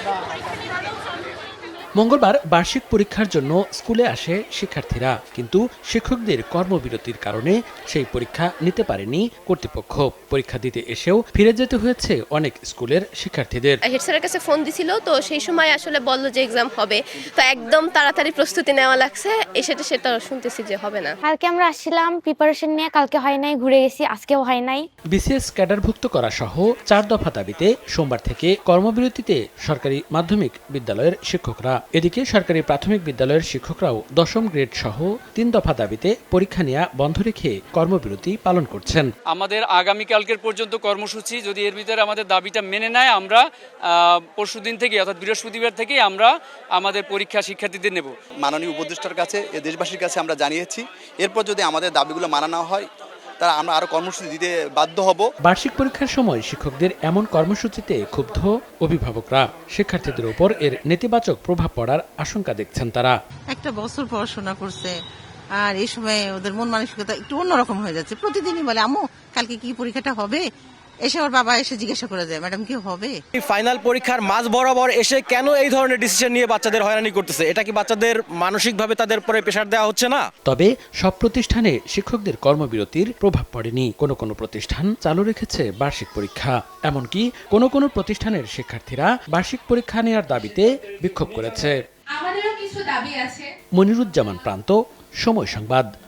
মঙ্গলবার বার্ষিক পরীক্ষার জন্য স্কুলে আসে শিক্ষার্থীরা, কিন্তু শিক্ষকদের কর্মবিরতির কারণে সেই পরীক্ষা নিতে পারেনি কর্তৃপক্ষ। পরীক্ষা দিতে এসেও ফিরে যেতে হয়েছে অনেক স্কুলের শিক্ষার্থীদের। হেড স্যারের কাছে ফোন দিছিল, তো সেই সময় আসলে বললো যে এক্সাম হবে, তো একদম তাড়াতাড়ি প্রস্তুতি নেওয়া লাগছে। সেটা শুনতেছি যে হবে না। কালকে আমরা আসছিলাম প্রিপারেশন নিয়ে, কালকে হয় নাই, ঘুরে গেছি, আজকেও হয় নাই। বিসিএস ক্যাডারভুক্ত করা সহ 4 দফা দাবিতে সোমবার থেকে কর্মবিরতিতে সরকারি মাধ্যমিক বিদ্যালয়ের শিক্ষকরা। এদিকে সরকারি প্রাথমিক বিদ্যালয়ের শিক্ষকরাও 10ম গ্রেড সহ 3 দফা দাবিতে পরীক্ষা নেওয়া বন্ধ রেখে কর্মবিরতি পালন করছেন। আমাদের আগামীকালকের পর্যন্ত কর্মসূচি, যদি এর ভিতরে আমাদের দাবিটা মেনে নেয়, আমরা পরশুদিন থেকে অর্থাৎ বৃহস্পতিবার থেকে আমরা আমাদের পরীক্ষা শিক্ষার্থীদের নেব। মাননীয় উপদেষ্টার কাছে, দেশবাসীর কাছে আমরা জানিয়েছি, এরপর যদি আমাদের দাবিগুলো মানা না হয় তারা আমরা আরো কর্মসূচি দিতে বাধ্য হব। বার্ষিক পরীক্ষার সময় শিক্ষকদের এমন কর্মসূচিতে ক্ষুব্ধ অভিভাবকরা। শিক্ষার্থীদের উপর এর নেতিবাচক প্রভাব পড়ার আশঙ্কা দেখছেন তারা। একটা বছর পড়াশোনা করছে, আর এই সময় ওদের মন মানসিকতা একটু অন্যরকম হয়ে যাচ্ছে। প্রতিদিনই বলে, আম্মু কালকে কি পরীক্ষাটা হবে? এসে ওর বাবা এসে জিজ্ঞাসা করে দেয়, ম্যাডাম কি হবে? ফাইনাল পরীক্ষার মাঝ বরাবর এসে কেন এই ধরনের ডিসিশন নিয়ে বাচ্চাদের হয়রানি করতেছে? এটা কি বাচ্চাদের মানসিকভাবে তাদের উপরে প্রেশার দেওয়া হচ্ছে না? তবে সব প্রতিষ্ঠানে শিক্ষকদের কর্মবিরতির প্রভাব পড়েনি। কোনো প্রতিষ্ঠান চালু রেখেছে বার্ষিক পরীক্ষা। এমনকি কোনো প্রতিষ্ঠানের শিক্ষার্থীরা বার্ষিক পরীক্ষা নেওয়ার দাবিতে বিক্ষোভ করেছে। আমাদেরও কিছু দাবি আছে। মনিরুজ্জামান প্রান্ত, সময় সংবাদ।